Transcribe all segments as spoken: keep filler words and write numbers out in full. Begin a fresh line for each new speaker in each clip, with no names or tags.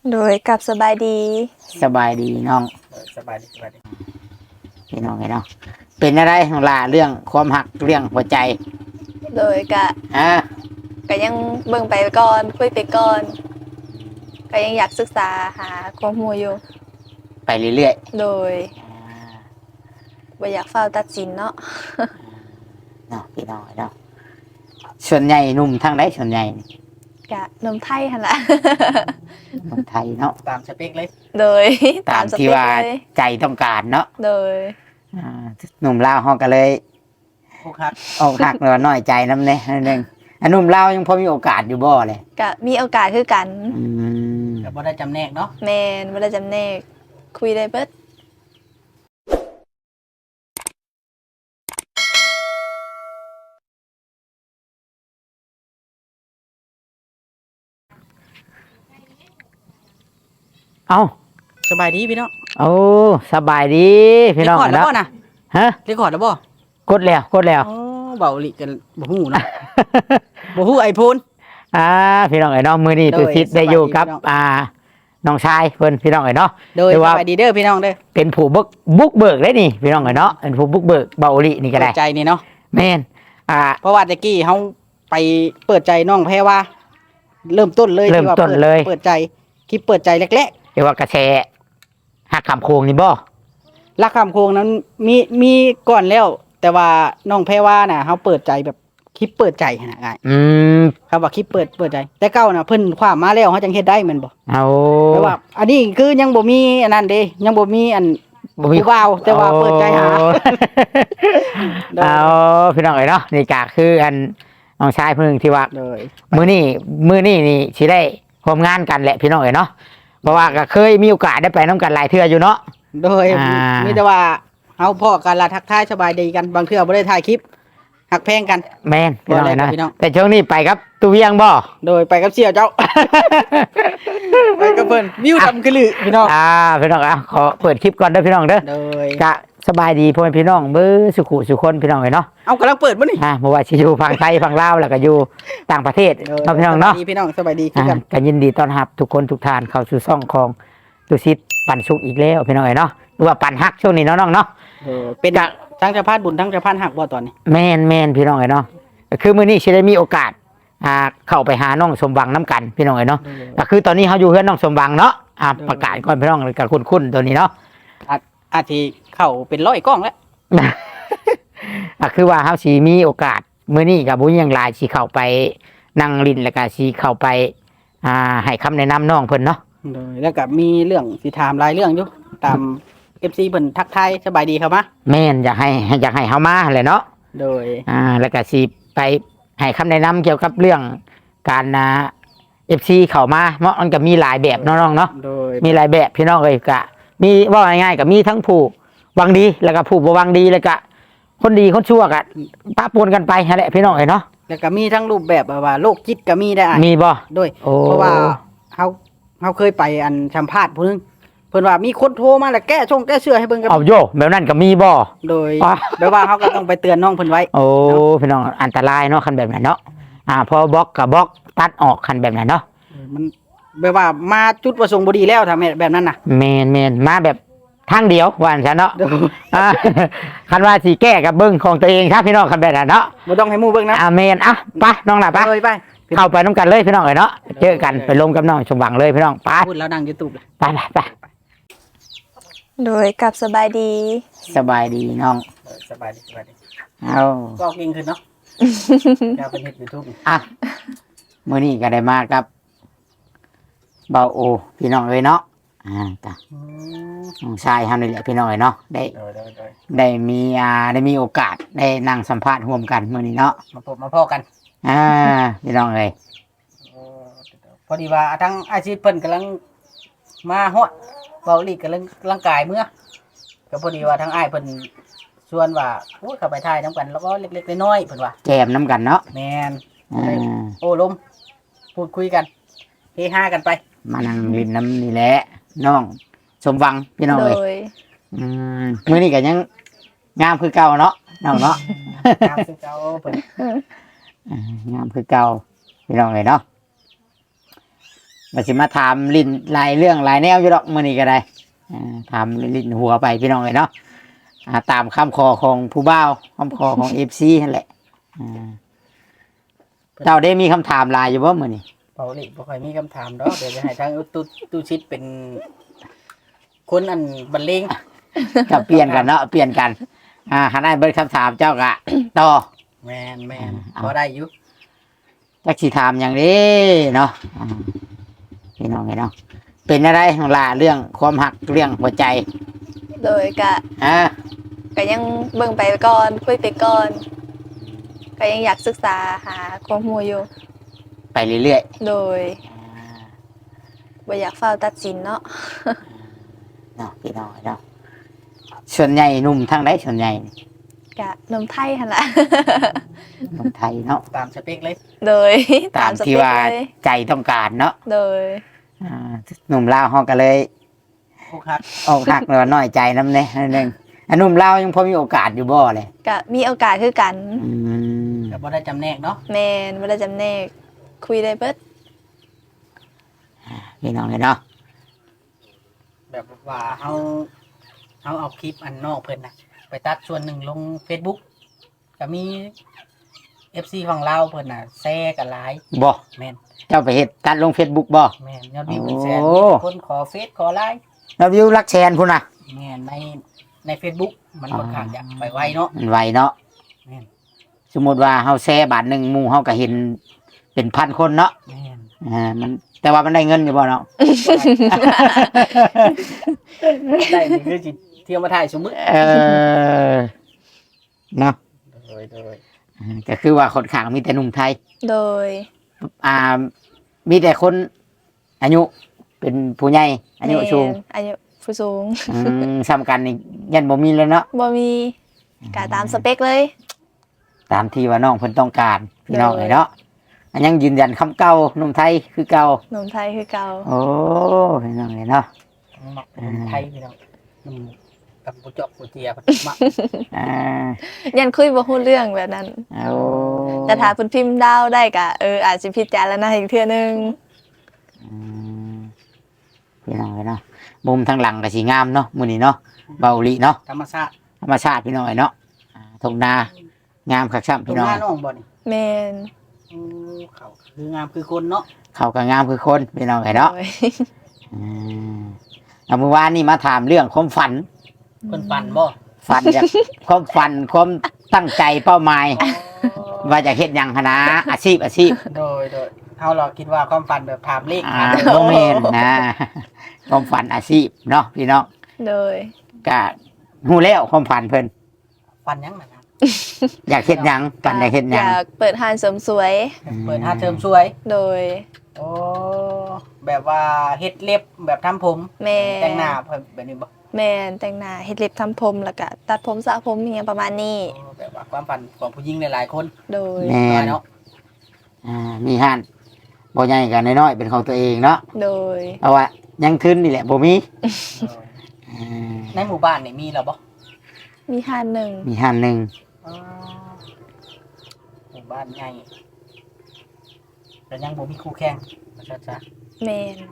โดยกับสบายดี
สบายดีน้อง
สบายดีสบายดี
พี่น้องไงเนาะเป็นอะไรของลาเรื่องความหักเรื่องหัวใจ
โดยกะ
อ่า
ก็ยังเบิ่งไปก่อนคุยไปก่อนก็ยังอยากศึกษาหาความรู้อยู่
ไปเรื่อย
โดย
ๆอ่า
บ่อยากเฝ้าตัดสินเนาะ
เนาะพี่น้องไงเนาะส่วนใหญ่หนุ่มทางไหนส่วนใหญ่
กะนมไทยหั่นล่ะ
หนุ่มไทยเนาะ
ตามสเปคเลย
โดย
ตามที่ว่าใจต้องการเนาะ
โดย
อ่าหนุ่มลาวเฮาก็เลย
พวกฮัก
อกหักหรือว่าน้อยใจน้ำเนี่ยนั่นเองอันหนุ่มลาวยังพอมีโอกาสอยู่บ่เลย
กะมีโอกาสคือกัน
อืม
แต่บ่ได้จำแนกเนาะ
แม่นบ่ได้จำแนกคุยได้เบิด
เอ้า
สบายดีพี่น้อง
โอ้สบายดีพี่น้อง
เรคคอร์ดแล้วบ่นะ
ฮะ
เรคคอร์ดแล้วบ่
กดแล้วกดแล้ว
อ๋อเบาหลีกันบ่ฮู้เนาะ บ่ฮู้ไอโฟน
อ่าพี่น้องไอ้น้องมือนี่
โดย
ตุสิทธิ์ได้อยู่กับ
สบายดีพี่น้อง
อ่าน้องชายเพิ่นพี่น้องไอ้เนาะ
โดย
แต่
ส
ว่า
บายดีเด้อพี่น้องเด้อ
เป็นผู้บุกบุกเบิกได้นี่พี่น้องไอ้เนาะเป็นผู้บุกเบิกเบาหลีนี่ก็
เปิ
ได้
ดใจนี่เนาะ
แม่นอ่า
เพราะว่าตะกี้เฮาไปเปิดใจน้องแพรว่า เริ่มต้นเลย
เริ่ม
ที่ว่า
ต้น
ปิด
เลย
เปิดใจคลิปเปิดใจแรก
เรียกว่ากระแสหักคำโคงนี่บ่
ๆรักคำโคงนั้นมีมีก่อนแล้ว แต่ว่าน้องแพรว่าน่ะเฮาเปิดใจแบบคลิปเปิดใจหั่นน่ะง่าย
อืม
ครับว่าคลิปเปิดเปิดใจแต่เก้าน่ะเพิ่นความมาแล้วเฮาจังเฮ็ดได้แม่นบ่
เอา
แต่ว่าอันนี้คือยังบ่มีอันนั้นเด้ยังบ่มีอัน
บ่มี
ผู้บ่าวแต่ว่าเปิดใจหา
โอ้ เอาพี่น้องไอ้เนาะนี่ก็คืออันน้องชายเพิ่นที่ว่า
เลย
มือนี่มือนี่นี่สิได้ร่วมงานกันแหละพี่น้องเอ๋ยเนาะเพราะว่าก็เคยมีโอกาสได้ไปน้ำกันหลายเทื่ออยู่เนาะ
โดย
อ่ามี
มีแต่ว่าเฮาพ้อกันละทักทายสบายดีกันบางเทื่อบ่ได้ถ่ายคลิปหักแพงกัน
แม่นพี่น้องเอ๋ยเนาะ
พี่น้อง
แต่ช่วงนี้ไปครับตูเวียงบ่
โดยไปกับเสี่ยวเจ้า ไปกับเพิ่นวิวดำกระลือพี่น้อง
อ่าพี่น้องอ่ะขอเปิดคลิปก่อนเด้อพี่น้องเด้อ
โดย
กะสบายดีพ่อแม่พี่น้องเบ้อสุขุสุคนพี่น้องเอ๋ยเนาะ
เอากำลังเปิดบ่นี่
อ่าบ่ว่าสิอยู่ฝั่งไทยฝั่งลาวแล้วก็อยู่ต่างประเทศ
โดย
เนาะพี่น้องเนาะ
สบายดีพี่น้องสบายดีคือ
อ่า
กัน
ก็ยินดีต้อนรับทุกคนทุกท่านเข้าสู่ช่องของตุสิทธิ์ปันสุขอีกแล้วพี่น้องเอ๋ยเนาะหรือว่าปันฮักช่วงนี้เนาะน้องเนาะ
เออเป็น
กะ
ทั้งสะพานบุญทั้งสะพานหักบ่ตอนนี้
แม่นแม่นพี่น้องเอ๋ยเนาะคือมื้อนี้สิได้มีโอกาสอ่าเข้าไปหาน้องสมหวังน้ำกันพี่น้องเอ๋ยเนาะก็คือตอนนี้เขาอยู่เฮือนน้องสมหวังเนาะอ่าประกาศก่อนพี่น้องกับคุ้นๆตัวนี้เนาะ
อาจอาจสิเข้าเป็นร้อยกล้องแล้ว
ก็คือว่าเขาสิมีโอกาสมื้อนี้กับบุญยังหลายสิเข้าไปนั่งลิ้นแล้วก็สิเข้าไปอ่าให้คำแนะนำน้องเพิ่นเนาะ
โดยแล้วก็มีเรื่องสิถามหลายเรื่องอยู่ตาม เอฟ ซี เพิ่นทักทายสบายดีครับมา
แม่นอยากให้อยากให้เฮามาแหละเนาะ
โดย
อ่าแล้วก็สิไปให้คำแนะนำเกี่ยวกับเรื่องการอ่า เอฟ ซี เข้ามาเนาะมันก็มีหลายแบบเนาะน้องเนาะ
โดย
มีหลายแบบพี่น้องเลยกะมีว่าง่ายๆกับมีทั้งผู้หวังดีแล้วก็ผู้บ่หวังดีแล้วก็คนดีคนชั่วกะปะปนกันไปนั่นแหละพี่น้องเอ้ยเนาะ
แล้วก็มีทั้งรูปแบบแบบว่าโรคจิตก็มีได้อ่ะ
มีบ่
โดย
โอ้
เพราะว่าเฮาเฮาเคยไปอันสัมภาษณ์ผู้หนึงเพิ่นว่ามีคนโทรมาแล้วแก้ชงแก้เชื่อให้เบิ่งกัน
เอาโยแบบนั้นก็มีบ่
โดย
อ๋อ
แบบว่าเฮาก็ต้องไปเตือนน้องเพิ่นไว้
โอ้พี่น้องอันตรายเนาะคันแบบนั้นเนาะอ่าพอบล็อกกับบล็อกตัดออกคันแบบนั้นเนาะ
มันแบบว่ามาจุดประสงค์บ่ดีแล้วถ้าแม่แบบนั้นน่ะ
แมนแมนมาแบบทางเดียวว่าอันซะเนาะ
โดย
อ่าคันว่าสิแก้กับเบิ่งของตัวเองครับพี่น้องคันแบบนั้นเนาะ
บ่ต้องให้หมู่เบิ่งนะ
อ่าแมนอ่ะไปน้องล่ะไป
โดยไป
เข้าไปน้ำกันเลยพี่น้องเอ้ยเนาะเจอกันไปลงกับน้องสมหวังเลยพี่น้องไป
พูดแล้วดัง YouTube เลย
ไปไปไป
โดยกับสบายดี
สบายดีน้อง
สบายดีสบายดี
เอา
ก็เก่งขึ้นเนาะ อยากเป็นเฮ็ด YouTube
อ่ะมื้อนี้ก็ได้มากับเบาโอพี่น้องเอ้ยเนาะอ่าจ้ะ
อืม
น้องชายเฮานี่แหละพี่น้องเอ้ยเนาะได้
โดยโดยโดย
ได้มีอ่าได้มีโอกาสได้นั่งสัมภาษณ์ร่วมกันมื้อนี้เนาะ
มาพบมาพ้อกัน
อ่าพี่น้องเอ้ย
เออพอดีว่าทั้งอาชีพเพิ่นกำลังมาฮอดเบาหลีกำลังร่างกายเมื่อก็พอดีว่าทั้งอ้ายเพิ่นชวนว่าโอ้ยเข้าไปถ่ายนํกันแล้วก็เล็กๆน้อยๆเพิ่นว่า
แจมน้ำกันเนาะ
แม่น
อ่า
โอ้ลมพูดคุยกันเฮฮากันไป
มานั่งลินน้ำนี่แหละน้องสมหวังพี่น้อง
โด
เอ้ย
ย
อืมมื้อนี้ก็ยังงามคือเก่าเนาะน้องเนาะ
ตามคือเก่าเพิ่น
อ่างามคือเก่าพี่น้องเลยเนาะมาสิมาถามลิ้นหลายเรื่องหลายแนวอยู่ดอกมื้อนี้ก็ได้อ่าถามลิ้นหัวไปพี่น้องเลยเนาะอ่าตามคำขอของผู้บ่าวคำขอของ เอฟ ซี นั่นแหละอ่าเจ้าได้มีคำถามหลายอยู่บ่มื้อนี้
เบาหลีบ่ค่อยมีคำถามดอกเดี๋ยวจะให้ทางตู้ตู้ชิดเป็น คนอันบรรเลง
ก็เปลี่ยนกันเนาะเปลี่ยนกัน อ่าหันได้เบิดคำถามเจ้าก็ต่อ
แมนแมน
เอา
พอได้อยู่
จักสิถามอย่างนี้เนาะอ่าพี่น้องเนาะเป็นอะไรของล่ะเรื่องความหักเรื่องหัวใจ
โดยกะ
อ่า
ก็ยังเบิ่งไปก่อนคุยไปก่อนก็ยังอยากศึกษาหาความรู้อยู่
ไปเรื่อย
โดย
ๆอ่า
บ่อยากเฝ้าวตัดสินเนาะ
เนาะพี่น้องเนาะส่วนใหญ่หนุ่มทางใดส่วนใหญ่
กะนมไทยหั่นล่ะ
หนุ่มไทยเนาะ
ตามสเปคเลย
โดย
ตาม
ส
ที่
เปค
ว่า
เลย
ใจต้องการเนาะ
โดย
อ่าหนุ่มลาวเขาก็เลย
อกหัก
ออกหักหรือว่าน้อยใจน้ำเนี่ยนั่นเองอันหนุ่มลาวยังพอมีโอกาสอยู่บ่เลย
ก็มีโอกาสคือกัน
อืม
แต่บ่ได้จำแนกเนาะ
แมนบ่ได้จำแนกคุยได้เบิด
พี่น้องเลยเนาะ
แบบว่าเฮาเฮาเอาคลิปอันนอกเพิ่นน่ะ ไปตัดส่วนหนึ่งลง Facebook ก็มี เอฟ ซี ของเราเพิ่นน่ะแชร์กันหลาย
บ่
แม่น
เจ้าไปเฮ็ดตัดลงเฟซบุ๊กบ่
แม่นยอดวิวเป็นแสน
โอ้
มีแต่คนขอเฟซขอไลน์
เราวิวรักแชนพุ่นน่ะ
แม่นในใน Facebook มันค่อนข้างจะไปไวเนาะ
มันไวเนาะ
แม่น
สมมติว่าเฮาแชร์บาทหนึ่งหมู่เฮาก็เห็นเป็นพันคนเนาะ
แม่น
อ่ามันแต่ว่ามันได้เงินอยู่บ่เนาะ
ได้นี่คือสิเที่ยวมาถ่ายสมมุติ
เออเนาะ
โดยโดย
อ่าก็คือว่าคนข้างมีแต่หนุ่มไทย
โดย
อ่า มีแต่คนอายุเป็นผู้ใหญ่อายุสูง
แม่นอายุผู้สูง
อืมซ้ำกันนี่ยันบ่มีเลยเนาะ
บ่มีกะตามสเปคเลย
ตามที่ว่าน้องเพิ่นต้องการพี่น้อง
เลย
เลยเนาะอันยังยืนยันคำเก่าหนุ่มไทยคือเก่า
หนมไทยคือเก่า
โอ้พี่น้องเลยเนาะ
มักเป็นไทยพี่น้องอืมกับผู้เจาะผู้เจียเพิ่นมัก
อ่า
ยันคุยบ่ฮู้เรื่องแบบนั้น
เอา
แต่ถ้าเพิ่นพิมพ์ดาวได้ก็เอออาจสิพิจารณาอีกเทื่อนึง
อืมพี่น้องเลยเนาะมุมทางหลังก็สีงามเนาะมื้อนี้เนาะเบาหลีเนาะ
ธรรมชาติ
ธรรมชาติพี่น้องเลยเนาะอ่าทุ่งนางามคักซ้ำ
ตร
พี่
ง
น้อง
หน้าน้องบ่นี่
แม่น
อือเขาคืองามคือคนเนาะ
เขาก็งามคือคนพี่น้องเลยเนาะ
โดย
อืมเอาเมื่อวานนี่มาถามเรื่องความฝัน
เพิ่นปั่นบ่
ฝันอยาก ความฝันความตั้งใจเป้าหมาย ว่าจะเฮ็ดหยังหนนะอาชีพอาชีพ
โดยโดยเฮาเราคิดว่าความฝันแบบถามเลข
อ่า
ถาม
โมเมนนะความฝันอาชีพเนาะพี่น้อง
โดย
ก็ฮู้แล้วความฝันเพิ่น
ฝันหยังนะครับ
อยากเฮ็ดหยังฝันอยากเฮ็ดห
อ
ยัง
ยากเปิดร้านเสริมสวย
เปิดหาเทอมสวย
โดย
โอ้แบบว่าเฮ็ดเล็บแบบทำผม
แม่
แต่งหน้าแบบนี้บ่
แม่นแต่งหน้าเฮ็ดเล็บทำผมแล้วก็ตัดผมสระผมอหยังประมาณนี้
โอ้แบบว่าความฝันของผู้หญิงหลายๆคน
โดย
แม่
น้อย
น
เนาะ
อ่ามีห้านบ่ใหญ่กันน้อยๆเป็นของตัวเองเนาะ
โดย
เพราะว่ายังทึนนี่แหละบ่มีอ่า
ในหมู่บ้านนี่มีแล้วบ่
มีห้านหนึ่ง
มีห้านหนึง
อ๋อหมู่บ้านใหญ่แต่ยังบ่มีคู่แข่งว่าซั่นซะ
แม่น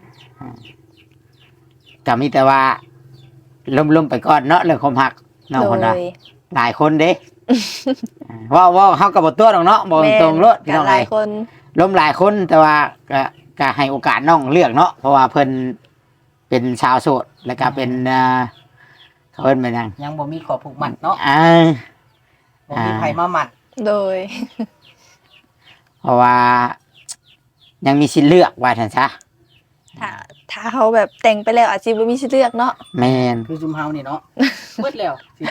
ก็มีแต่ว่าล้มๆไปก่อนเนาะเรื่องความหักน้อง
โด
คนน่ะ
ย
หลายคนเด้ อ่าเว่าเว่าเฮาก็บ่ตัวดอกเนาะบ่
แม่น
ตรงรถพี่
กั
น้อง
หลา
เอ้
ย
ย
คน
ล้มหลายคนแต่ว่าก็ก็ให้โอกาสน้องเลือกเนาะเพราะว่าเพิ่นเป็นชาวโสดแล้วก็เป็นอ่าเขาเอิ้นเป็นหยัง
ยังบ่มีขอผูกมัดเนาะ
อ่า
บ่มีไผมามัด
โดย
เพราะว่า ยังมีสิทธิ์เลือกว่าซั่นซะ
ถ้าถ้าเขาแบบแต่งไปแล้วอาจจะบ่มีสิทธิ์เลือกเนาะ
แม่น
คือซุมเฮานี่เนาะ เบิดแล้วสิ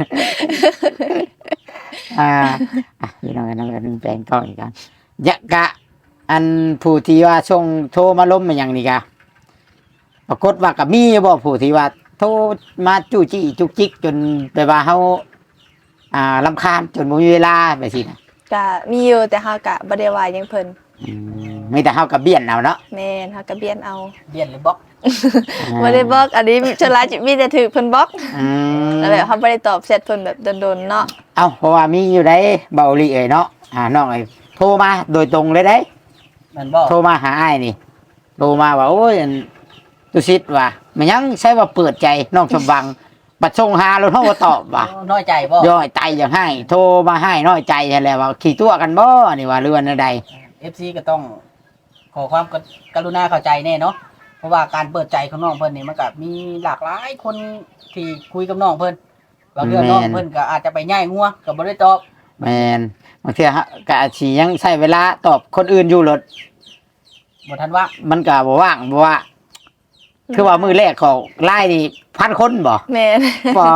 อ่าอ่ะพี่น้องน้องกันแปลงกล้องอีกกันยะกะ อันผู้ที่ว่าส่งโทรมาล้มมาอย่างนี้กะปรากฏว่ากับมีบ่ผู้ที่ว่าโทรมาจู้จี้จุกจิกจนไปว่าเฮาอ่ารำคาญจนบ่มีเวลาไปสินะ
ก็มีอยู่แต่เฮาก็บ่ได้ว่าหยังเพิ่น
อืมมีแต่เฮากับเบี้ยนเอาเนาะ
แม่นเฮาก็เบียนเอา
เบียนหรือบล็อก
บ่ได้บล็อกอันนี้ชนลายมีแต่ถูกเพิ่นบล็อก
อืม
แล้วแบบเฮาบ่ได้ตอบแชทเพิ่นแบบโดนๆเนาะ
เอ้าเพราะว่ามีอยู่ได้เบาหลีเอ้ยเนาะอ่าน้องไอ้โทรมาโดยตรงเลยได้
แม่นบ่
โทรมาหาอ้ายนี่โทรมาว่าโอ้ยอันตุสิตว่ามันยังใช้ว่าเปิดใจน้องสมบังบัดส่งหาแล้วเฮาบ่ตอบว่า
น้อยใจบ่
ย่อยใจอย่างให้โทรมาให้น้อยใจแท้แล้วว่าขี่ตัวกันบ่นี่ว่าเรือนใด
เอฟซีก็ต้องขอความกรุณาเข้าใจแน่เนาะเพราะว่าการเปิดใจของน้องเพิ่นนี่มันก็มีหลากหลายคนที่คุยกับน้องเพิ่นบางเรื่องน้องเพิ่นก็อาจจะไปย่ายงัวก็บ่ได้ตอบ
แม่นบางเทื่อฮะก็อาจสิยังใช้เวลาตอบคนอื่นอยู่รถ
บ่ทันว่า
มันก็บ่ว่างบ่ว่า คือว่ามือแรกของไล่นี่พันคนบ่
แม่น
ปอ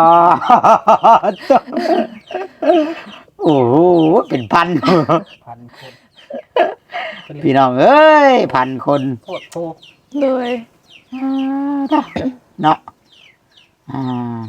โอ้โหเป็นพัน
พันคน
พี่น้องเอ้ยพันคน
โคตรโค
โดย
เนาะอ่า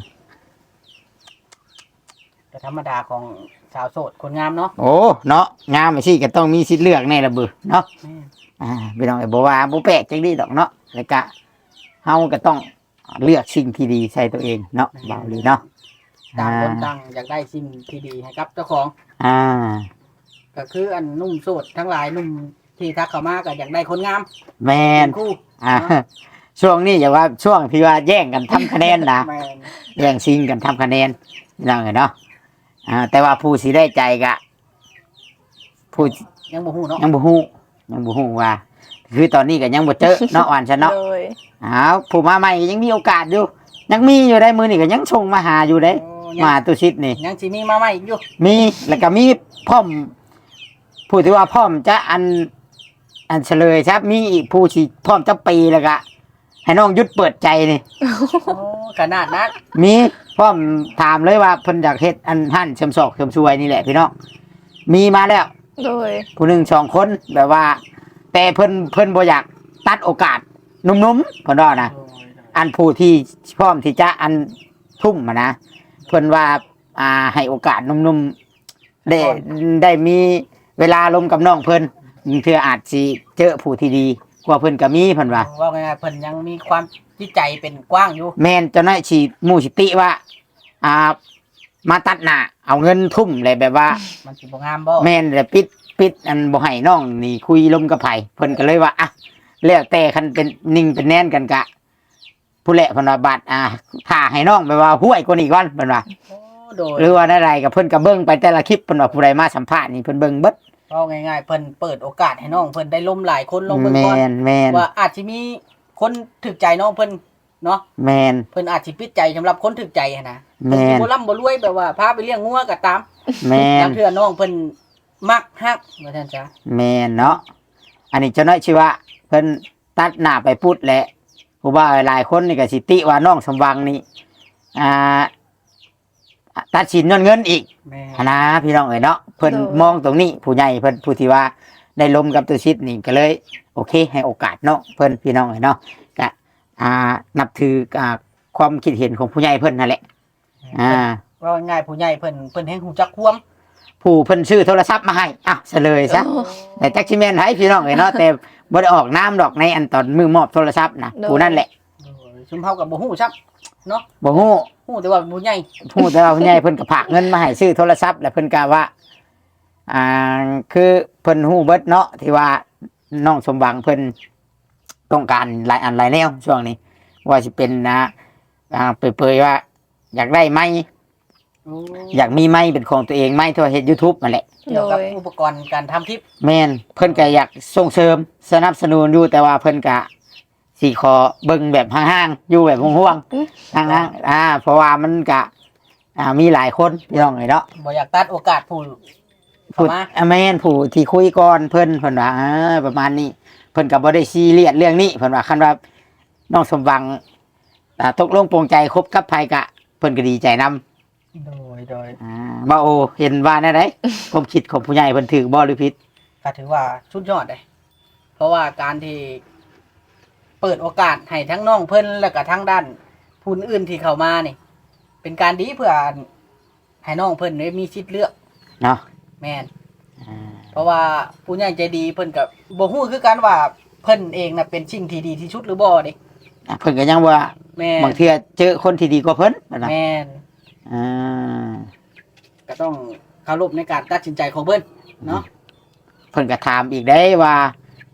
ก็ธรรมดาของสาวโสดคนงามเนาะ
โอ้เนาะงามไปสิก็ต้องมีสิทธิ์เลือกแน่ละเบือเนาะอ่าพี่น้องไอ้บ่ว่าบ่แปลกจังดีดอกเนาะแล้วก็เฮาก็ต้องเลือกสิ่งที่ดีใส่ตัวเองเนาะเบาเลยเนาะ
ต่างคนต่างอยากได้สิ่งที่ดีให้กับเจ้าของ
อ่า
ก็คืออันนุ่มโสดทั้งหลายนุ่มที่ทักเข้ามาก็อยากได้คนงาม
แมน
เป็นคู่
อ่าช่วงนี้อย่าว่าช่วงที่ว่าแย่งกันทำคะแนนนะ
แม่น
แย่งชิงกันทำคะแนนพี่น้องเนาะอ่าแต่ว่าผู้สิได้ใจกะผู้
ยังบ่ฮู้เนาะ
ยังบ่ฮู้ยังบ่ฮู้ว่า คือตอนนี้ก็ยังบ่เจอเนาะอ่านฉันเนาะ
โดย
อ้าวผู้มาใหม่ก็ยังมีโอกาสอยู่ ยังมีอยู่ได้มือนี่ก็ยังส่งมาหาอยู่ได้
โอ้ยัง
มาตุชิดนี่
ยังสิมีมาใหม่อีกอยู่
มีแล้วก็มีพร้อมผู้ที่ว่าพร้อมจะอัน อันเฉลยครับมีอีกผู้ที่พร้อมจะปีแล้วก็ให้น้องยุดเปิดใจนี่
โอ้ขนาดนั้น
มีพร้อมถามเลยว่าเพิ่นอยากเฮ็ดอันหั่นเสริมศอกเสริมช่วยนี่แหละพี่น้องมีมาแล้ว
โดย
ผู้หนึ่งสองคนแบบว่า แต่เพิ่นเพิ่นบ่อยากตัดโอกาสหนุ่มๆเพิ่นว่านะอันผู้ที่พร้อมที่จะอันทุ่มมานะเพิ่นว่าอ่าให้โอกาสหนุ่มๆได้ได้มีเวลาลมกับน้องเพิ่นเพื่ออาจสิเจอผู้ที่ดีกว่าเพิ่นก็มีเพิ่นว่า
ว่าง่ายๆเพิ่นยังมีความจิตใจเป็นกว้างอยู่
แม่นเจ้าน้อยสิหมู่สิติว่า อ่า มาตัดหน้าเอาเงินทุ่มเลยแบบว่า
มันสิบ่งามบ่
แม่นแต่ปิดปิดอันบ่ให้น้องนี่คุยลมกับไผเพิ่นก็เลยว่าอ่ะแล้วแต่คันเป็นนิ่งเป็นแน่นกันกะ ผู้แหละเพิ่นว่าบัดอ่าถ้าให้น้องแบบว่าห้วยกว่านี้ก่อนเพิ่นว่า
โอ้โดย
หรือว่าอะไรก็เพิ่นก็เบิ่งไปแต่ละคลิปเพิ่นว่าผู้ใดมาสัมภาษณ์นี่เพิ่นเบิ่งเบิด
ว่าง่ายๆเพิ่นเปิดโอกาสให้น้องเพิ่นได้ล้มหลายคนลงเบิ่ง
แม่
ก่อน
นแม่น
ว่าอาจสิมีคนถึกใจน้องเพิ่นเนาะ
แม่น
เพิ่นอาจสิปิดใจสำหรับคนถึกใจหั้นนะ
แม่น
เพิ่นสิบ่ร่ำบ่รวยแบบว่าพาไปเลี้ยงงัวก็ตาม
แม่น
บางเทื่อน้องเพิ่นมักฮักว่าซั่นจ้ะ
แม่นเนาะอันนี้เจ้าน้อยชื่อว่าเพิ่นตัดหน้าไปพุดแหละผู้ว่าหลายคนนี่ก็สิติว่าน้องสมหวังนี่อ่าตัดสินย้อนเงินอีก
แม่
หั้นนะพี่น้องเอ๋ยเนาะเพิ่นมองตรงนี้ผู้ใหญ่เพิ่นผู้ที่ว่าได้ลมกับตัวชิดนี่ก็เลย โอเค ให้โอกาสเนาะเพิ่นพี่น้องเอ๋ยเนาะก็อ่านับถืออ่าความคิดเห็นของผู้ใหญ่เพิ่นนั่นแหละอ่า
ว่าง่ายๆผู้ใหญ่เพิ่นเพิ่นแฮงฮู้จักความ
ผู้เพิ่นซื้อโทรศัพท์มาให้อ่ะเฉลยซะแต่จักสิแม่นให้พี่น้องเอ๋ยเนาะแต่บ่ได้ออกน้ำดอกในอันตอนมือมอบโทรศัพท์นะผู้นั่นแหละ
ซุมเฮาก็บ่ฮู้ซับเนาะ
บ่ฮู้
ฮู้แต่ว่าผู้ใหญ่
ผู้แต่ว่าผู้ใหญ่เพิ่นก็ฝากเงินมาให้ซื้อโทรศัพท์แล้วเพิ่นก็ว่า อ่าคือเพิ่นฮู้เบิดเนาะที่ว่าน้องสมหวังเพิ่นต้องการหลายอันหลายแนวช่วงนี้ ว่าสิเป็นนะอ่าเปรยๆว่า อยากได้ไม้อยากมีไม้เป็นของตัวเองไม้ที่ว่าเฮ็ด YouTube นั่นแหละ
เกี่ยวกับ
โดย
อุปกรณ์การทำคลิป
แม่นเพิ่นก็อยากส่งเสริมสนับสนุนอยู่แต่ว่าเพิ่นก็สิขอเบิ่งแบบห่างๆอยู่แบบห่วงๆห่างๆอ่า เพราะว่ามันก็อ่ามีหลายคนพี่น้องเอ้ยเนาะ
บ่อยากตัดโอกาสผู้
ผู้
เข้ามา
อ่ะแม่นผู้ที่คุยก่อนเพิ่นเพิ่นว่าอ่าประมาณนี้ เพิ่นก็บ่ได้ซีเรียสเรื่องนี้เพิ่นว่าคันว่าน้องสมหวังอ่าตกลงปรงใจคบกับไผกะเพิ่นก็ดีใจนำ
โดยโดย
อ่าบ่าโอเห็นว่าแน่ได ความคิดของผู้ใหญ่เพิ่นถูกบ่หรือผิด
ก็ถือว่าสุดยอดเลยเพราะว่าการที่เปิดโอกาสให้ทั้งน้องเพิ่นแล้วก็ทั้งด้านผู้อื่นที่เข้ามานี่ เป็นการดีเพื่อให้น้องเพิ่นได้มีสิทธิ์เลือก
เนาะ
แม่น
อ่า
เพราะว่าผู้ใหญ่ใจดีเพิ่นก็บ่ฮู้คือกันว่าเพิ่นเองน่ะเป็นสิ่งที่ดีที่สุดหรือบ่เด้
อ่ะเพิ่นก็ยังว่า
แม่น
บางเทื่อเจอคนที่ดีกว่าเพิ่นนั่นน่ะ
แม่น
อ่า
ก็ต้องเคารพในการตัดสินใจของเพิ่นเนาะ
เพิ่นก็ถามอีกได้ว่า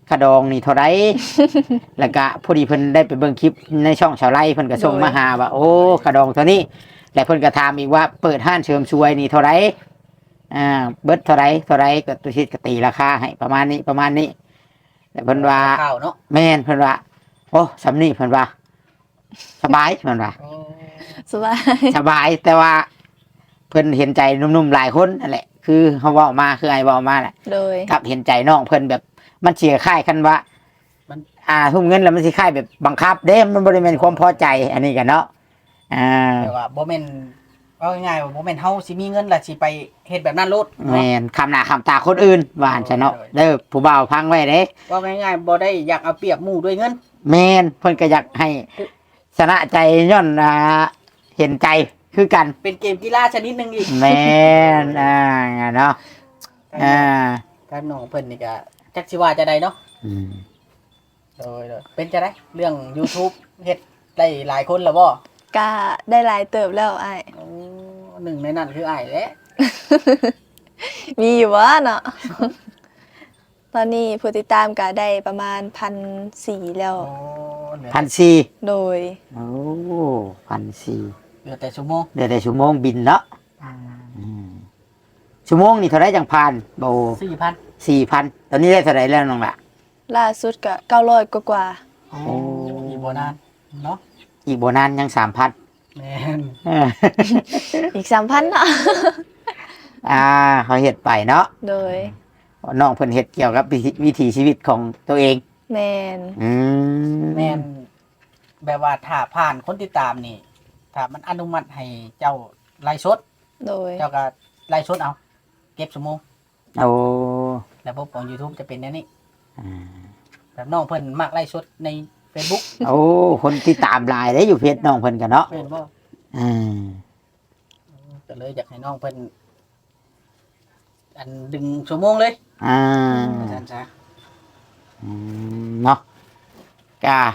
กระดองนี่เท่าไร แล้วก็พอดีเพิ่นได้ไปเบิ่งคลิปในช่องชาวไร่เพิ่นก็ส่งมาหาว่าโอ้กระดองเท่านี้แล้วเพิ่นก็ถามอีกว่าเปิดห้านเสริมสวยนี่เท่าไรอ่าเบิดเท่าไรเท่าไรก็ตุชิดก็ตีราคาให้ประมาณนี้ประมาณนี้แต่เพิ่นว่า
ข้าวเนาะ
แม่นเพิ่นว่าโอ้สำนี่เพิ่นว่าสบายเพิ่นว่า
โอ้
สบาย
สบายแต่ว่าเพิ่นเห็นใจหนุ่มๆหลายคนนั่นแหละคือเขาเว้ามาคือไอ้เว้ามาแหละ
โดย
กับเห็นใจน้องเพิ่นแบบมันเสียค่ายคันว่ามันอ่าทุ่มเงินแล้วมันสิค่ายแบบบังคับเด้มันบ่ได้แม่นความพอใจอันนี้กันเนาะอ่า
แต่ว่าบ่แม่นเอาง่ายๆว่าบ่แม่นเฮาสิมีเงินแล้วสิไปเฮ็ดแบบนั้นโลด
แม่นคำหน้าคำตาคนอื่นว่าอันซะเนาะเด้อผู้บ่าวฟังไว้เด้
ว่าง่ายๆบ่ได้อยากเอาเปรียบหมู่ด้วยเงิน
แม่นเพิ่นก็อยากให้ชนะใจย้อนอ่าเห็นใจคือกัน
เป็นเกมกีฬาชนิดหนึงอีก
แม่นอ่าเนาะอ่า
การน้องเพิ่นนี่ก็จักสิว่าจะได้เนาะ
อืม
โดยโดยเป็นจะได้เรื่อง YouTube เฮ็ดได้หลายคนแล้วบ่
ก็ได้หลายเติบแล้วไอ้าย
โอ้หนึ่งในนั้นคืออ้ายแหละ
มีอยู่วะเนาะ ตอนนี้ผู้ติดตามก็ได้ประมาณพันสี่แล้ว
โอ้เหลือ
พันสี่
โดย
โอ้พันสี่
เหลือแต่ชั่วโมง
เดี๋ยวได้ชั่วโมงบินเนาะอืมชั่วโมงนี่เท่าไรจังพันโบ
สี่พัน
สี่พันตอนนี้ได้เท่าไรแล้วน้องละ
ล่าสุดก็เก้าร้อยกว่า
โอ้อีกบ่นานเนาะ
อีกโบนานยังสามพัน
แม่น
ๆอีกสามพันเนาะ
อ่าเขาเห็ดไปเนาะ
โดย
น้องเพิ่นเห็ดเกี่ยวกับวิถีวิถีชีวิตของตัวเอง
แมน
อืม
แม่นแบบว่าถ้าผ่านคนติดตามนี่ถ้ามันอนุมัติให้เจ้าไล่สด
โดย
เจ้าก็ไล่สดเอา เก็บชั่วโมง
โอ้
ระบบของ YouTube จะเป็นแนวนี้
อ่า
แบบน้องเพิ่นมักไล่สดใน Facebook
โอ้คนที่ตามหลายได้อยู่เพจน้องเพิ่นกันเนาะ
เพิ่นบ่
อืม
ก็เลยอยากให้น้องเพิ่นอันดึงชั่วโมงเลย
อ่า
อาจารย์จ้ะ
อืมเนาะกา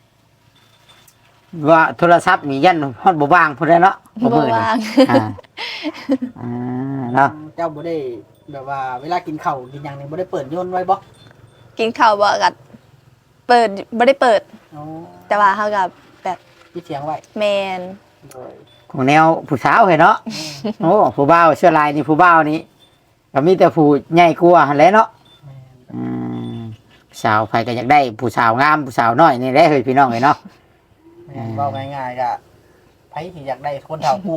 ว่าโทรศัพท์มียันฮอดบ่ว่างพุ่นแหล้วเนาะ
บ่
มื้อนี้
ว่าง
อ่าอ่าเนาะ
เจ้าบ่ได้แบบว่าเวลากินข้าวกินหยังนี่บ่ได้เปิดโยนไว้บ่
กินข้าวบ่กัดเปิดบ่ได้เปิด
โอ้
แต่ว่าเขากับแบบ
ปิดเสียงไว้
แมน
โดย
ของแนวผู้สาวเห็นเนาะ โอ้ผู้บ่าวเสื้อลายนี่ผู้บ่าวนี่ก็มีแต่ผู้ใหญ่กว่าหั่นแหละเนาะ
แม่น
อืมผู้สาวใครก็อยากได้ผู้สาวงามผู้สาวน้อยนี่แหละเฮ้ยพี่น้องเอ้ยเนาะ
แม่นเว้าง่ายๆก็ไผที่อยากได้คนเฒ่ากลัว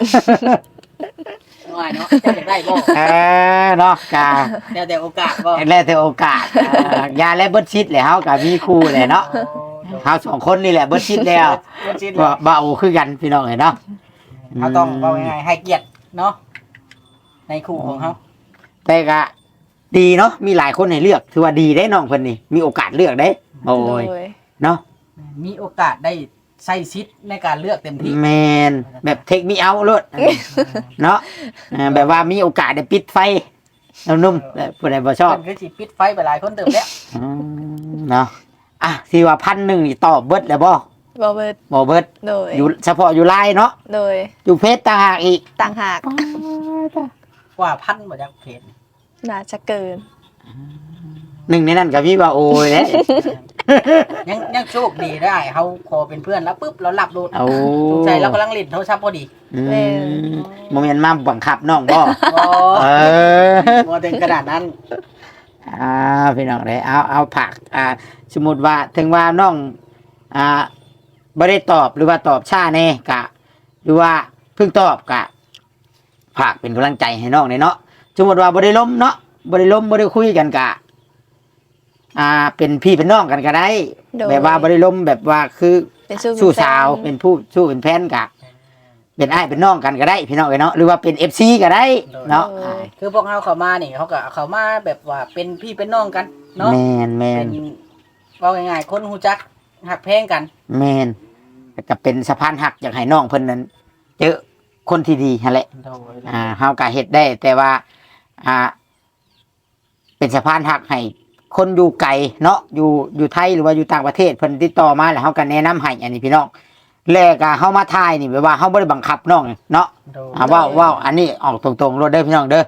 ง่ายเนาะเจ้าอยากได้บ่
เออเนาะกา
แล้วแต่โอกาสบ่
แล้วแต่โอกาสเอ่อยาและเบิดชิดแหละเฮาก็มีคู่แหละเนาะ
โอ้โดย
เฮาสองคนนี่แหละเบิดชิดแล้ว
เพิ่นชิด
บ่
แล้ว
เบาคือกันพี่น้องเอ้ยเนาะ
เขาต้องเว้าง่ายๆให้เกียรติเนาะในคู่ของเฮา
แต่ก็ดีเนาะมีหลายคนให้เลือกถือว่าดีได้น้องเพิ่นนี่มีโอกาสเลือกได้โอ้
โด
ย
ย
เนาะ
มีโอกาสได้ใช้สิทธิ์ในการเลือกเต็มที่
แมนแบบเทคมีเอาโลดเนาะเออแบบว่ามีโอกาสได้ปิดไฟนุ่มๆแต่ผู้ใดบ่ชอบ
เพิ่นคือสิปิดไฟไปหลายคนเติมแล้ว
อืมเนาะอ่ะสิว่าพันหนึ่งนี่ตอบเบิดแล้วบ่
บ่เบิด
บ่เบิด
โดย
อยู่เฉพาะอยู่ไลน์เนาะ
โดย
อยู่เพจต่างหากอีก
ต่างหาก
กว่าพันบ่จักเพจ
น่าจะเกิน
หนึ่งในนั้นก็มีว่าโอ้ยเด้
ยังยังโชคดีได้เฮาขอเป็นเพื่อนแล้วปุ๊บเราหลับโดด
โอ้
สงสัยเรากำลังเล่นโทรศัพท์พอดี
อืมโมเมนต์มาบังคับน้องบ่
บ่
เออ
บ่ถึงขนาดนั้น
อ่าพี่น้องเลยเอาเอาผักอ่าสมมติว่าถึงว่าน้องอ่าไม่ได้ตอบหรือว่าตอบช้าแน่กะ หรือว่าเพิ่งตอบกะผักเป็นกำลังใจให้น้องเลยเนาะสมมติว่าบ่ได้ล้มเนาะบ่ได้ล้มบ่ได้คุยกันกะ อ่า เป็นพี่เป็นน้องกันก็ได้
โดย
แบบว่าบ่ได้ล้มแบบว่าคือ
เป็นสู้
สู้สาวเป็นผู้สู้เป็นแฟนกะ เป็นอ้ายเป็นน้องกันก็ได้ พี่น้องเอ้ยเนาะหรือว่าเป็นเอฟซีก็ได้เนาะอ่า
คือพวกเฮาเข้ามานี่เขาก็เข้ามาแบบว่าเป็นพี่เป็นน้องกันเนาะ
แมนแม
เป็น นเว้าง่ายๆคนฮู้จักฮักแพงกัน
แมนก็เป็นสะพานหักอยากให้น้องเพิ่นนั้นเจอคนที่ดีนั่นแหละ
โดย
อ่าเฮาก็เฮ็ดได้ แต่ว่า อ่า เป็นสะพานหักให้คนอยู่ไกลเนาะอยู่อยู่ไทยหรือว่าอยู่ต่างประเทศเพิ่นติดต่อมาแล้วเฮาก็แนะนำให้อันนี้พี่น้องแล้วก็เฮามาทายนี่แบบว่าเฮาบ่ได้บังคับน้องเนาะ
โดย
อ่าเว้าเว้าอันนี้ออกตรงๆรถเด้อพี่น้องเด้อเฮ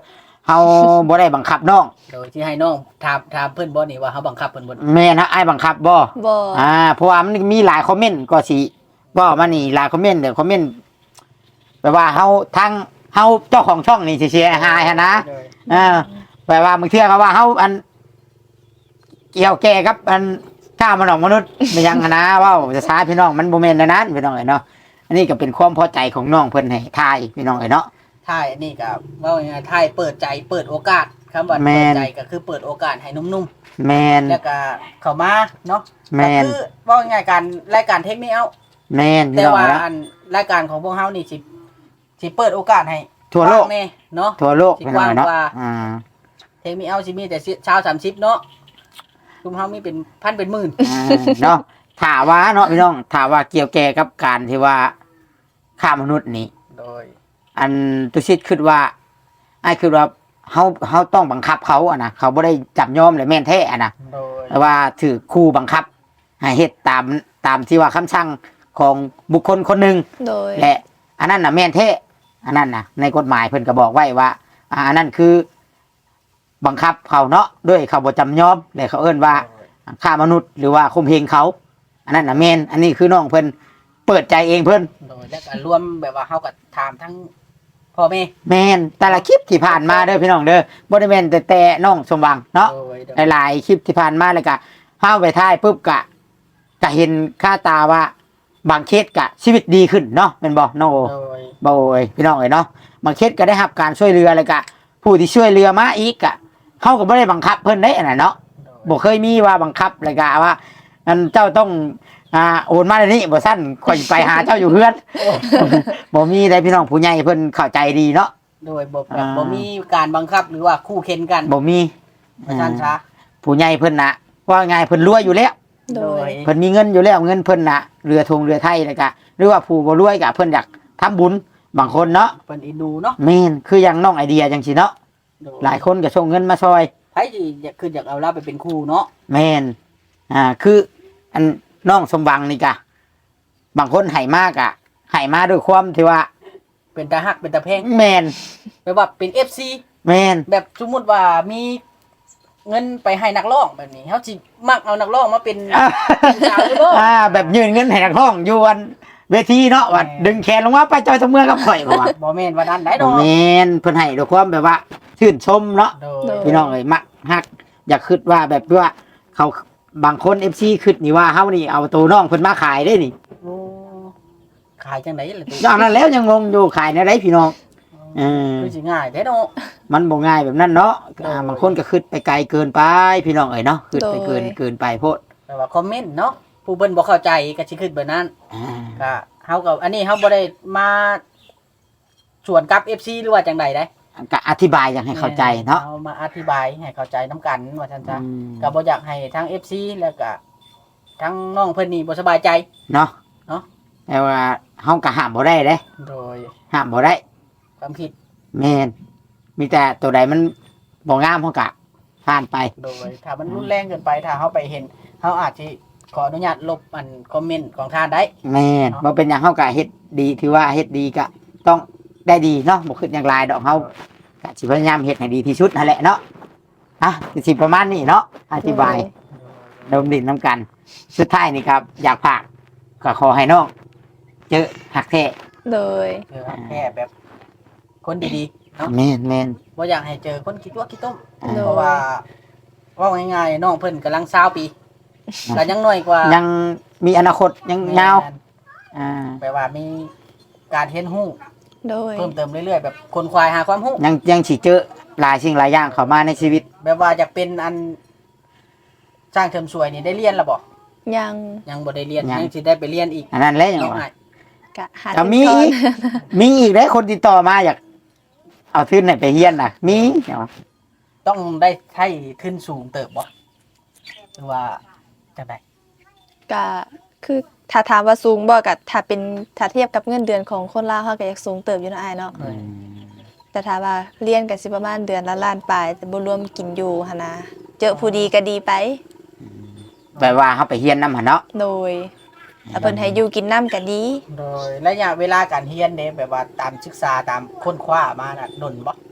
เฮาบ่ได้บังคับน้อง
โดยที่ให้น้องถามถามเพิ่นบ่นี่ว่าเฮาบังคับเพิ่นบ่
แม่นฮะอ้ายบังคับบ่
บ่
อ่าเพราะว่ามันมีหลายคอมเมนต์ก็สิบ่มานี่หลายคอมเมนต์เดี๋ยวคอมเมนต์แปลว่าเฮาทั้งเฮาเจ้าของช่องนี่สิเสียหายหันนะ
โดย
อ่าแปลว่าบางเทื่อก็ว่าเฮาอันเกี่ยวแก่กับอันข้ามนุษย์มนุษย์ไม่ยังหั้นนะเว้าจะช้าพี่น้องมันบ่แม่นอันนั้นพี่น้องเอ้ยเนาะอันนี้ก็เป็นความพอใจของน้องเพิ่นให้ทายพี่น้องเอ้ยเนาะ
ถ่ายนี่ก็เว่าง่ายๆถ่ายเปิดใจเปิดโอกาสคำว่า
แม่
เปิด
น
ใจก็คือเปิดโอกาสให้นุ่ม
แมน
ๆแล้วก็เข้ามาเนาะ
แม
ก็
น
คือเว่าง่ายๆการรายการเทคนิคเอา
แมนพี่
แต่
น้อง
ว่า
เอ้ยเนาะ
อันรายการของพวกเฮานี่สิสิเปิดโอกาสให้
ทั่วโลก
กว้างแน่เนาะ
ทั่วโลกพี่น้องเอ้ยเนาะ
กว้างกว่า
อ่า
เทคนิคเอาสิมีแต่เช้าสามสิบเนาะคุมเฮามีเป็นพันเป็นหมื่น
อ่าเนาะถามว่าเนาะพี่น้องถามว่าเกี่ยวแก่กับการที่ว่าฆ่ามนุษย์นี่
โดย
อันตุชิตคิดว่าไอ้คือว่าเฮาเฮาต้องบังคับเขาอะนะเขาบ่ได้จับยอมเลยแม่นแท้อะนะ
โดย
แต่ว่าถือคู่บังคับให้เฮ็ดตามตามที่ว่าคำสั่งของบุคคลคนหนึ่ง
โดย
และอันนั้นน่ะแม่นแท้อันนั้นน่ะในกฎหมายเพิ่นก็บอกไว้ว่าอ่าอันนั้นคือบังคับเขาเนาะด้วยเขาบ่จำยอมและเขาเอิ้นว่าฆ่ามนุษย์หรือว่าข่มเหงเขา อันนั้นน่ะแม่นอันนี้คือน้องเพิ่นเปิดใจเองเพิ่น
โดยแล้วก็รวมแบบว่าเฮาก็ถามทั้งพ่อแม่
แม่นแต่ละคลิปที่ผ่านมาเด้อพี่น้องเด้อบ่ได้แม่นแต่แต่น้องสมหวังเนาะ
โดยโดย
หลายๆคลิปที่ผ่านมาเลยก็เฮาไปถ่ายปุ๊บกะก็เห็นค่าตาว่าบางเคสกะชีวิตดีขึ้นเนาะแม่นบ่น้องโอ
โดย
บ่โอ้ยพี่น้องเอ้ยเนาะบางเคสก็ได้รับการช่วยเหลือเลยกะผู้ที่ช่วยเหลือมาอีกกะเฮาก็บ่ได้บังคับเพิ่นได้อันนั้นเนาะ
โดย
บ่เคยมีว่าบังคับเลยกะว่าอันเจ้าต้องอ่าโอนมาเดี๋ยวนี้บ่ซั่นข่อยไปหาเจ้าอยู่เฮือน บ่มีได้พี่น้องผู้ใหญ่เพิ่นเข้าใจดีเนาะ
โดยบ่แบบ
อ่า
บ่มีการบังคับหรือว่าคู่เข็นกัน
บ่มี
ประชันช้า
ผู้ใหญ่เพิ่นน่ะว่าไงเพิ่นรวยอยู่แล้ว
โดย
เพิ่นมีเงินอยู่แล้วเงินเพิ่นน่ะเรือธงเรือไทยเลยกะหรือว่าผู้บ่รวยกะเพิ่นอยากทำบุญบางคนเนาะ
เพิ่นอินดูเนาะ
แม่นคืออย่างน้องไอเดียจังซี่เนาะ
โด
หลายคนก็ส่งเงินมาซอย
ไผสิอยากคืออยากเอาเราไปเป็นครูเนาะ
แม่นอ่าคืออันน้องสมบังนี่กะบางคนให้มากอะให้มาด้วยความที่ว่า
เป็นตาฮักเป็นตาแพง
แม่น
แปลว่าเป็น เอฟ ซี
แม่น
แบบสมมุติว่ามีเงินไปให้นักร้องแบบนี้เฮาสิมักเอานักร้องมาเป็น
อ่า
สาวหรือบ่
อ่าแบบยืนเงินให้นักร้องอยู่อันเวทีเนาะว่า
แม่น
ดึงแขนลงมาไปจอยตะเมื่อกับข่อยบ่ว่า
บ่แม่นว่านั้นได้ด
บ่
อก
แม่นเพิ่นให้ด้วยความแบบว่าชื่นชมเนาะ
โด
โด
ย
ย
พี่น้องเอ้ยมักฮักอยากคิดว่าแบบว่าเขาบางคน เอฟ ซี คิดนี่ว่าเฮานี่เอาตัวน้องเพิ่นมาขายได้นี่
โอ้ขายจังได๋ล่ะติ
อย่างนั้นแล้วยังงงอยู่ขายในไรพี่น้องเออ
คือสิง่ายแท้เนาะ
มันบ่ง่ายแบบนั้นเนาะ
โดย
อ่าบางคนก็คิดไปไกลเกินไปพี่น้องเอ้ยเนาะคิดไปเกิน
โดย
เกินไปโพด
แปลว่าคอมเมนต์เนาะผู้เพิ่นบ่เข้าใจก็สิคิดแบบนั้น
อ่า
ก็เฮาก็อันนี้เฮาบ่ได้มาชวนกับ เอฟ ซี หรือว่าจังใดได้
ก็อธิบายอย่างให้เข้าใจเนาะ
เอามาอธิบายให้เข้าใจน้ำกันว่าซั่นซะ
อืม
ก็บ่อยากให้ทั้ง เอฟ ซี แล้วก็ทั้งน้องเพิ่นนี่บ่สบายใจ
เนาะ
เนาะ
แต่ว่าเฮาก็ห้ามบ่ได้เด้
โดย
ห้ามบ่ได้
ความคิด
แม่นมีแต่ตัวใดมันบ่งามเฮาก็ผ่านไป
โดยถ้ามันรุนแรงเกินไปถ้าเฮาไปเห็นเฮาอาจสิขออนุญาตลบอันคอมเมนต์ของท่านได้
แม่นบ่เป็นหยังเฮาก็เฮ็ดดีถือว่าเฮ็ดดีก็ต้องได้ดีเนาะบ่คิดอย่างไรดอกเฮาก็สิพยายามเฮ็ดให้ดีที่สุดนั่นแหละเนาะอ่ะสิประมาณนี้เนาะอธิบายดมดินน้ำกัน สุดท้ายนี่ครับ อยากฝากก็ขอให้น้องเจอหักแท้
โดย
เออแค่แบบคนดีๆเนาะ
แม่นแม่น
บ่อยากให้เจอคนคิดว่าคิดต้ม
อ่า
โดย
เพราะว่าเว่าง่ายๆน้องเพิ่นกำลังสาวปีก็ยังน้อยกว่า
ยังมีอนาคตยังยาวอ่า
แปลว่ามีการเรียนรู้
โดย
เพิ่มเติมเรื่อยๆแบบคนควายหาความรู้
ยังยังสิเจอหลายสิ่งหลายอย่างเข้ามาในชีวิต
แบบว่าจะเป็นอันสร้างเทอมสวยนี่ได้เรียนแล้วบ่
ยัง
ยังบ่ได้เรียน
ยัง
ยังสิได้ไปเรียนอีก
อันนั้นแหละอย่าง
น้อง
ว่า
อ้าย
กะหา
ก็มี
ทุน
อีก มีอีกได้คนติดต่อมาอยากเอาทุนไหนไปเฮียนน่ะ มีอย่างว่า
ต้องได้ให้ขึ้นสูงเติบบ่หรือว่าจังได๋
กะคือถ้าถามว่าสูงบ่กะถ้าเป็นถ้าเทียบกับเงินเดือนของคนลาวเฮาก็อยากสูงเติบอยู่เนาะอ้ายเนาะ
อืม
แต่ถ้าว่าเรียนก็สิประมาณเดือนละล้านปลายแต่บ่รวมกินอยู่หั่นนะเจอผู้ดีก็ดีไป
แปลว่าเขาไปเฮียนนำหั่นเนาะ
โดยถ้าเพิ่นให้อยู่กินน้ำก็ดี
โดยระยะเวลาการเรียนเด้แบบว่าตามศึกษาตามค้นคว้ามาน่ะดนบ่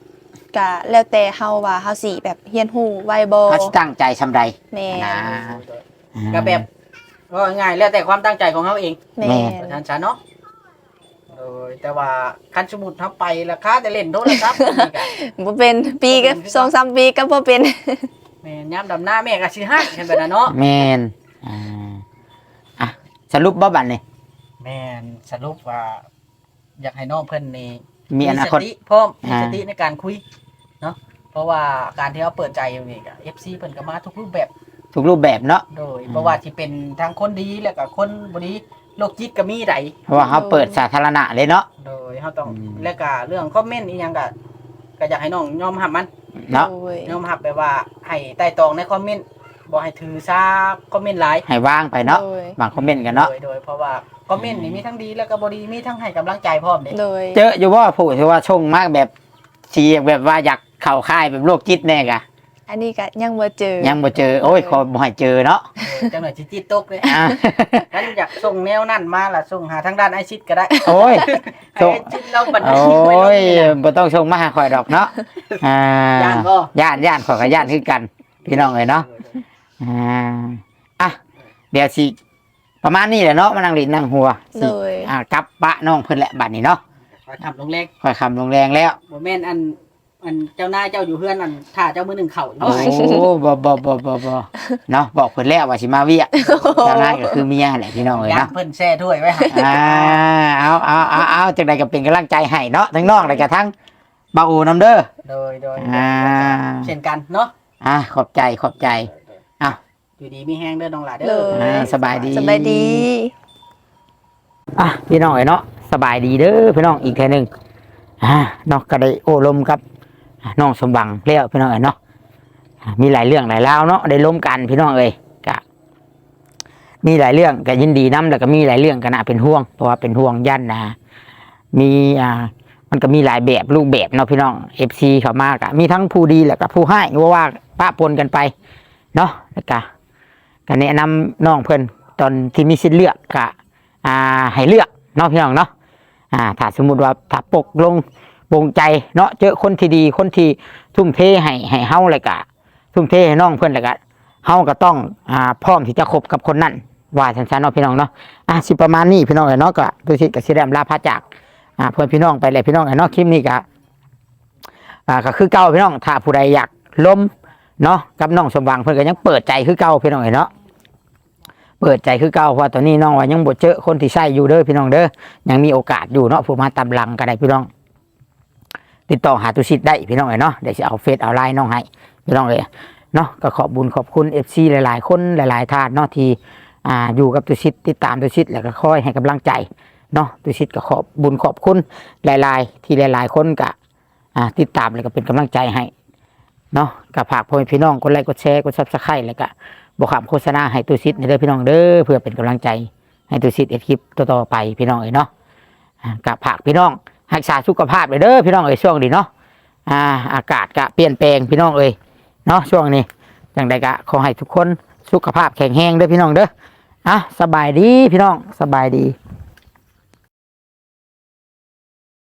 ก็แล้วแต่เฮาว่าเฮาสิแบบเฮียนฮู้ไวบ่
เขาสิตั้งใจซำใด
แม่น
นะ
ก็แบบก็ง่ายแล้วแต่ความตั้งใจของเขาเอง
แม่
แม่
น
ประธานชาเนาะโดยแต่ว่าคันสมุดทับไปราคาแต่เล่นโทรศัพท์นี่ก็
บ่เป็นปีก็สองสามปีก็บ่เป็น
แม่นยามดำหน้าแม่ก็สิให้เห็นแบบนั้นเนาะ
แม่นอ่าอ่ะสรุปบ่บัดนี้
แม่นสรุปว่า อยากให้น้องเพิ่นนี่
มีอนาคต
สติพร้อมมี
อ่า
สติในการคุยเนาะเพราะว่าการที่เขาเปิดใจอยู่นี่ก็ เอฟ ซี เพิ่นก็มาทุกรูปแบบ
ทุกรูปแบบเนาะ
โดยเพราะว่าที่เป็นทั้งคนดีแล้วก็คนบ่ดีโรคจิตก็มีได
เพราะว่าเขาเปิดสาธารณะเลยเนาะ
โดยเขาต้อง
อืม
แล้วก็เรื่องคอมเมนต์อีหยังก็ก็อยากให้น้องยอมรับมัน
เนาะ
โอ้ย
ยอมรับแบบว่าให้ไต่ตรองในคอมเมนต์บ่ให้ถือซาคอมเมนต์หลาย
ให้ว่างไปเนาะ
โดย
บางคอมเมนต์กันเนาะ
โดยโดยเพราะว่าคอมเมนต์นี่มีทั้งดีแล้วก็บ่ดีมีทั้งให้กำลังใจพร้อมเด้
โดย
เจออยู่ว่าผู้ที่ว่าชงมากแบบเสียงแบบว่าอยากเข้าค่ายแบบโรคจิตแน่กะ
อันนี้ก็ยังบ่เจอ
ยังบ่เจอโอ้ยขอบ่ให้เจอเนาะ
โดยจังหน่อยสิจิตตกเลย
อ่ะ
งั้นอยากส่งแนวนั้นมาล่ะส่งหาทางด้านไอชิดก็ได้
โอ้ย
ให้ไอชิดเราบัน
โอ
ทึกไว้
้
ลง
ย
นี่นะ
บ่ต้องชงมาหาข่อยดอกเนาะอ่า
ย่านบ่
ย่านย่านขอยกับย่านคือกัน พี่น้องเอ้ยเนาะอ่าอ่ะเดี๋ยวสิประมาณนี้แหละเนาะมานั่งลิ้นนั่งหัวสิ
โดย
อ่ากลับปะน้องเพิ่นแหละบัดนี้เนาะ
ขอทำลงแรง
ค่อยคำลงแรงแล้ว
บ่แม่นอันอันเจ้านายเจ้าอยู่เพื่อนอันถ้าเจ้ามือหนึ่งเข่าอยู่
โอ้บ่บ่บ่บ่บ่เนาะบอกเพิ่นแล้วว่าสิมาเวียเจ้านายก็คือเมียแหละพี่น้องเอ้ย
ย่าง
เนาะ
เพิ่นแช่ถ้วยไว้ให้
อ่าเอาเอาเอาเอาจังใดก็เป็นกำลังใจให้เนาะทั้งน้องและก็ทั้งเบาอูนำเด้อ
โดยโดย
อ่า
เช่นกันเนาะ
อ่าขอบใจขอบใจ
อยู่ดีมีแห้งเด้อน้องหลาเด้
เล
อ
ย
อ่าสบายดี
สบายดี
อ่ะพี่น้องเอ้ยเนาะสบายดีเด้อพี่น้องอีกแค่หนึงอ่าเนาะก็ได้โอ้ลมครับน้องสมบังแล้วพี่น้องเอ้ยเนาะอ่ามีหลายเรื่องหลายราวเนาะได้ล้มกันพี่น้องเอ้ยก็มีหลายเรื่องก็ยินดีนํแล้วก็มีหลายเรื่องก็น่าเป็นห่วงเพราะว่าเป็นห่วงยันนะมีอ่ามันก็มีหลายแบบรูปแบบเนาะพี่น้อง เอฟ ซี เข้ามากะมีทั้งผู้ดีแล้วก็ผู้ให้ว่าว่าปะปนกันไปเนาะแล้วก็ก็แนะนำน้องเพิ่นตอนที่มีสิทธิ์เลือกก็อ่าให้เลือกเนาะพี่น้องเนาะอ่าถ้าสมมุติว่าถ้าปกลงปรงใจเนาะเจอคนที่ดีคนที่ทุ่มเทให้ให้เฮาเลยก็ทุ่มเทให้น้องเพิ่นแล้วก็เฮาก็ต้องอ่าพร้อมที่จะคบกับคนนั้นว่าซั่นๆเนาะพี่น้องเนาะอ่ะสิประมาณนี้พี่น้องเอ้ยเนาะก็ดูสิก็สิได้อำลาพระจากอ่าเพื่อนพี่น้องไปเลยพี่น้องเอ้ยเนาะคลิปนี้ก็อ่าก็คือเก่าพี่น้องถ้าผู้ใดอยากล้มเนาะกับน้องสมหวังเพิ่นก็ยังเปิดใจคือเก่าพี่น้องเอ้ยเนาะเปิดใจคือเก่าเพราะตอนนี้น้องว่ายังบ่เจอคนที่ใช่อยู่เด้อพี่น้องเด้อยังมีโอกาสอยู่เนาะผู้มาตามหลังก็ได้พี่น้องติดต่อหาตุชิตได้พี่น้องเอ้ยเนาะเดี๋ยวสิเอาเฟซเอาไลน์น้องให้พี่น้องเอ้ยเนาะก็ขอบบุญขอบคุณ เอฟ ซี หลายๆคนหลายๆท่านเนาะที่อ่าอยู่กับตุชิตติดตามตุชิตแล้วก็คอยให้กำลังใจเนาะตุชิตก็ขอบบุญขอบคุณหลายๆที่หลายๆคนก็อ่าติดตามแล้วก็เป็นกำลังใจให้เนาะก็ฝากพ่อแม่พี่น้องกดไลค์กดแชร์กด Subscribe แล้วก็บอกคำโฆษณาให้ตุชิตในเด้อพี่น้องเด้อเพื่อเป็นกำลังใจให้ตุชิตเอ็ดคลิปต่อๆไปพี่น้องเอ้ยเนาะอ่าก็ฝากพี่น้องรักษาสุขภาพเลยเด้อพี่น้องเอ้ยช่วงนี้เนาะอ่าอากาศก็เปลี่ยนแปลงพี่น้องเอ้ยเนาะช่วงนี้จังใดก็ขอให้ทุกคนสุขภาพแข็งแรงเด้อพี่น้องเด้ออ่ะสบายดีพี่น้องสบายดี